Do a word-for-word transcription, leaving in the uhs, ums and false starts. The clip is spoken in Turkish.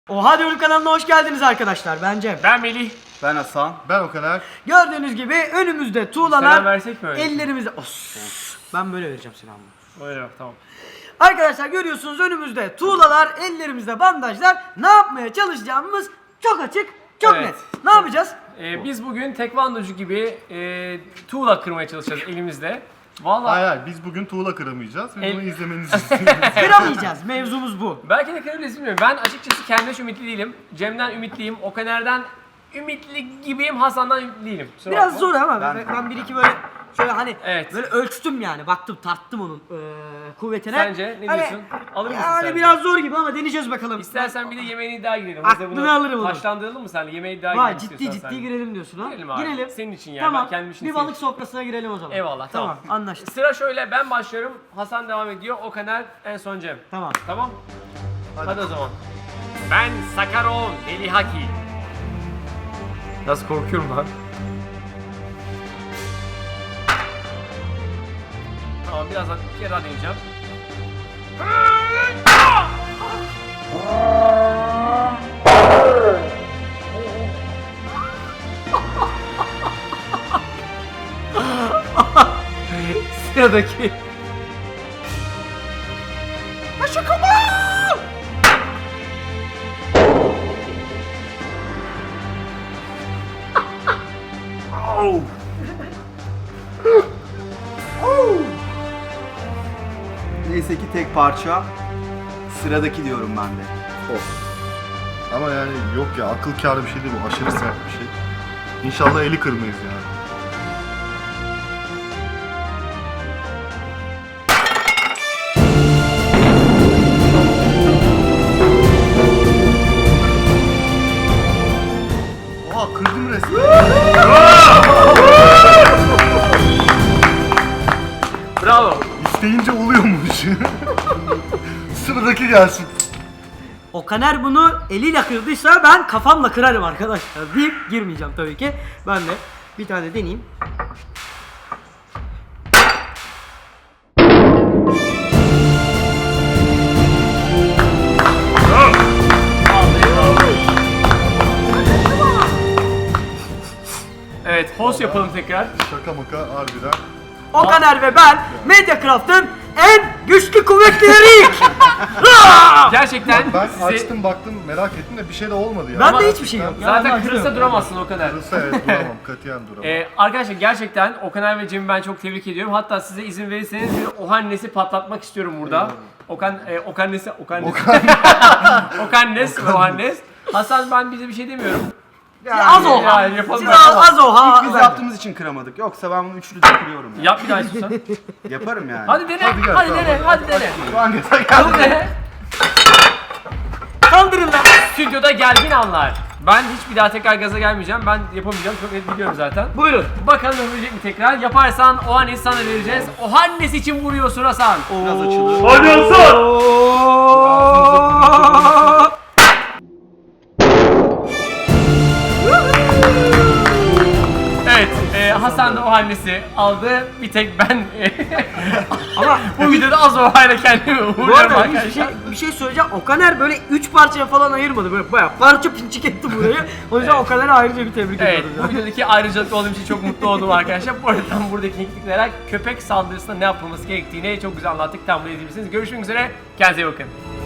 Oha Diyorum kanalına hoş geldiniz arkadaşlar. Ben Cem. Ben Melih. Ben Hasan. Ben o kadar. Gördüğünüz gibi önümüzde tuğlalar. Selam versek mi öyle? Ellerimizde. Os. Ben böyle vereceğim selamı. Öyle bak, tamam. Arkadaşlar görüyorsunuz önümüzde tuğlalar, ellerimizde bandajlar. Ne yapmaya çalışacağımız çok açık, çok Evet. net. Ne yapacağız? Ee, biz bugün tekvandocu gibi e, tuğla kırmaya çalışacağız elimizde. Vallahi Hayır hayır biz bugün tuğla kıramayacağız ve El- bunu izlemenizi istiyoruz. Kıramayacağız. Mevzumuz bu. belki de kırabiliriz, bilmiyorum. Ben açıkçası kendimden ümitli değilim. Cem'den ümitliyim. Okaner'den ümitli gibiyim. Hasan'dan ümitli değilim. Kusura Biraz bakma. zor ama ben, Ben- ben bir iki böyle şöyle hani Evet. böyle ölçtüm yani. Baktım, tarttım onun eee, kuvvetine. Sence ne Hani- diyorsun? Alır mısın Yani sence? biraz zor gibi ama deneyeceğiz bakalım. İstersen bir de yemeğine iddia girelim. Aklını Hazır bunu alırım onu. Taşlandıralım mı senle? Yemeğe iddia Vay girelim ciddi istiyorsan ciddi seninle. girelim diyorsun ha. Girelim abi. Girelim. Senin için yani, Tamam. ben kendim için bir değil. balık sofrasına girelim o zaman. Eyvallah, tamam. anlaştık. Sıra şöyle, ben başlıyorum. Hasan devam ediyor. Okaner en son Cem. Tamam. Tamam. Hadi, o zaman. Ben Sakarov Delihaki. Nasıl korkuyorum lan? Tamam, biraz daha, bir kere daha deneyeceğim. Sıradaki. Neyse ki tek parça. Sıradaki diyorum ben de. Of. Ama yani yok ya akıl kârı bir şey değil bu. Aşırı sert bir şey. İnşallah eli kırmayız yani. Oha kırdım resmen. Bravo. İsteyince oluyormuş. Sıradaki gelsin. Okaner bunu eliyle kırdıysa ben kafamla kırarım arkadaşlar deyip girmeyeceğim tabii ki. Ben de bir tane deneyeyim. Evet, host yapalım tekrar. Şaka maka harbiden. Okaner ve ben Mediacraft'ın en güçlü kuvvetlileriyiz. Gerçekten Ben size... açtım baktım merak ettim de bir şey de olmadı ya. Ben Ama de hiçbir şey yok. Ya, Zaten Allah kırılsa aşkına. duramazsın o kadar. Kırılsa evet duramam katiyen duramam. Ee, arkadaşlar gerçekten Okaner ve Cem'i ben çok tebrik ediyorum. Hatta size izin verirseniz bir Ohannesi patlatmak istiyorum burada. Okan, e, Okannesi, Okannes. Okannes ve Ohannes. Hasan, ben bize bir şey demiyorum. Siz az oha. Yani yapalım. Siz az, az oha. Biz yaptığımız için kıramadık. Yoksa ben bunu üçlü de kırıyorum ya. Yap bir daha istiyorsan. Yaparım yani. Hadi dene, Hadi hadi, gel, dene, tamam, hadi dene. Hangisi Hadi geldi? dene. Kaldırın lan. Stüdyoda gergin anlar. Ben hiç bir daha tekrar gaza gelmeyeceğim. Ben yapamayacağım. Çok net biliyorum zaten. Buyurun. Bakalım yapabilecek mi tekrar? Yaparsan Ohannesi sana vereceğiz. Ohannes için vuruyorsun Hasan. Biraz açılır. Hadi Hasan. Evet, e, Hasan da Ohannesi aldı. Bir tek ben e, Ama bu videoda az Ohayla kendimi bu uğurluyorum arada bir arkadaşlar. şey, bir şey söyleyeceğim. Okaner böyle üç parçaya falan ayırmadı. Böyle bayağı parça pinçik etti burayı. O yüzden Evet. Okaner'e ayrıca bir tebrik Evet, ediyoruz. bu ya. videodaki ayrıcalıklı olduğum için çok mutlu oldum arkadaşlar. Bu arada tam buradaki teknikler köpek saldırısında ne yapılması gerektiğini çok güzel anlattık. Tam bunu izleyebilirsiniz. Görüşmek üzere, kendinize iyi bakın.